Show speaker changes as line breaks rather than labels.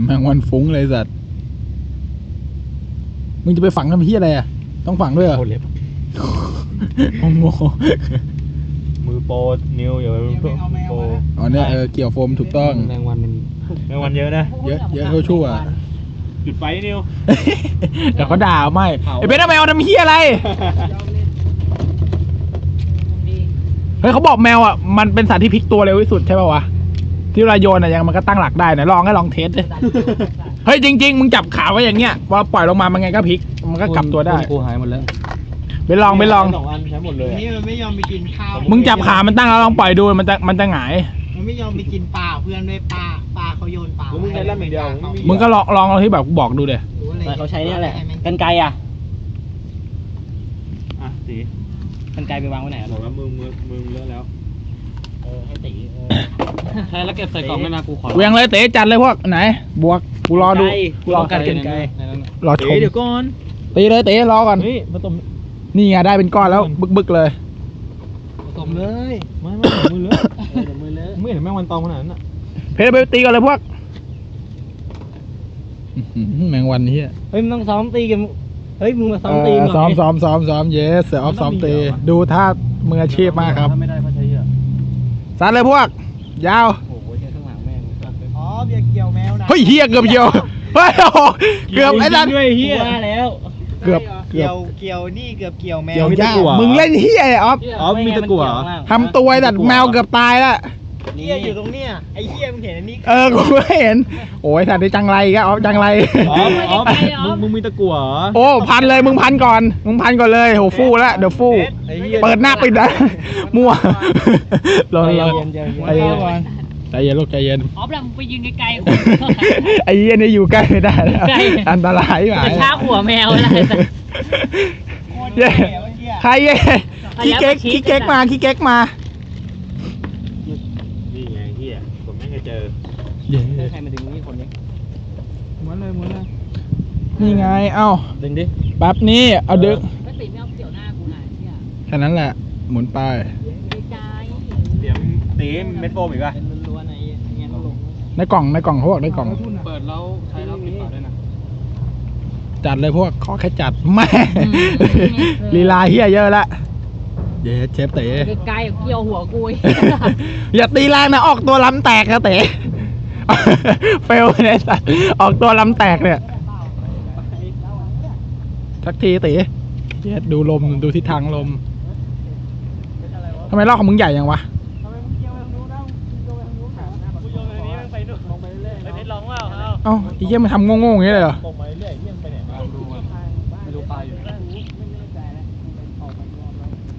มงวันฟุ้งเลยสัตว์มึงจะไปฝังทำพี่อะไรอ่ะต้องฝังด้วยเหรอโง่
มือโปรนิวอย่าไปโปร
อ๋อเนี่ยเกี่ยวโฟมถูกต้อง
แมงวันเยอะนะ
เยอะชั่ว
จุดไฟนิว
เดี๋ยวเขาด่าไม่ไอ้เบนทำไมเอาทำเฮียอะไรเฮ้ยเขาบอกแมวอ่ะมันเป็นสัตว์ที่พลิกตัวเร็วที่สุดใช่ป่าววะที่เวลาโยนอ่ะยังมันก็ตั้งหลักได้นะลองเทสดิเฮ้ยจริงๆมึงจับขาไว้อย่างเงี้ยพอปล่อยลงมามันไงก็พลิกมันก็กลับตัวได้
กูหายหมดแล้ว
ไปลอง
2 อันใช้หมดเลย
นี่มันไม่ยอมไปกินข้าว
มึงจับขามันตั้งแล้วลองปล่อยดูมันจะหงาย
มันไม่ยอมไปกินปลาเพื่อนด้วยปลาเขาโยนปลา
แล้วมึงใช้แล่มอย่างเดียว
มึงก็ลองที่แบบบอกดูเดี๋ย
เขาใช้เนี่ยแหละกันไกรอ่ะ
อ่ะตี
กันไกรไปวางไว้ไหน
บอกแล้วมึงเลอะแล้ว
ให้ตีใช่แล้วเก็บใส่กล่องไม่มากูขอ
เวียงเลยเต๋จัดเลยพวกไหนบวกกูรอดูกูรอ
กันไกร
รอชม
เดี๋ยวก่อน
ตีเลยเต๋รอก่อน
เฮ้ยผสม
นี่ไงได้เป็นก้อนแล้วบึกเลย
ผสมเลยไม่มือเลอะไม่เห็นแมงวันตอมขนาดนั้นอ่ะ
เพชรไปตีก่อนเลยพวกแมงวันนี้
เฮ้ยมึงต้องซ้อมตีกันเฮ้ยมึงมาซ้อมตี
ซ้อมเยสเสือออฟซ้อมตีดูท่ามืออาชีพมากครับ
ถ้าไม่ได้ก็ใช้เยอะ
ซัดเลยพวกยาว
โอ้โหเจอข้างหลังแม่ง
อ๋อเบียร์เกี่ยวแมวนะ
เฮ้ยเฮียเกือบเหี่ยวเฮ้ยโอ้โหเกือบไอ้นั่น
ด้วยเฮีย
ว่าแล้ว
เกือบ
เกี่ยวนี่เกือบเกี่ยวแมว
เกี่ยว
มีตะ
ยาก
กั่ว
มึงเล่นเฮียออฟ
อ๋อมีตะกั่วเหรอ
ทำตัวไอ้ดัดแมวเกือบตายละ
เหี้ยอยู่ตรงเนี้ยไอ้เหี้ยมึงเห็นอันนี้
กูไม่เห็นโอ้ยสัตว์ได้จังไรก็ออฟจังไร
มึงมีตะกั่วเหรอ
โอ้พันเลยมึงพันก่อนเลยโหฟู่แล้วเดี๋ยวฟู่
ไอ้เหี้ย
เปิดหน้าปิดนะมั่วรอ
ใจ
รอ
เย็น
ใจเย็นลูกใจเย็น
อ๋อแบบมึงไปยืนไกล
ไอ้เหี้ยนี่อยู่ใกล้ไม่ได้แล้ว
ใกล้
อันตรายห
ๆ
มาย
จะช้าหัวแมวอะไรแต่
เย้ใครเย้ขี้เก๊กมา
นี่ไงเฮียผมไม่เคยเจอ
เย้
ใครมาดึงนี่คนนี้
ม้วนเลย
นี่ไงเอ้า
ดึงดิ
แป๊บนี้เอาดึก
ก็ติดไม่เอาเกี่ยวหน้ากูหน่อยเนี่ย
แค่นั้นแหละหมุนไป
ไกล
เดี๋ยวตีเม็ดโฟมอีกป่ะ
เป็นล้วนๆไอ้เงี้ยลง
ในกล่องเขาบอกในกล่อง
เปิดแล้วใช้แล้วปิดฝาด้วยนะ
จัดเลยพวกขอแค่จัดแม่ลีลาเฮียเยอะละเย้เชฟเต๋
ๆไกลๆเกี่ยวหัวกูอีก
อย่าตีแรงนะออกตัวลำแตกนะเต๋ เฟลเนี่ยสัตว์ออกตัวลำแตกเนี่ยสักทีเต๋เย้ดูลมดูทิศทางลมทำไมลอกของมึงใหญ่ยังวะเอ้าไอ้เหี้ยมันทำโง่ๆอย่างนี้เลยเหรอ
ตกมาเรื่อยเยี่ยมไปไหนมาดูไม่รู้ปลาอยู่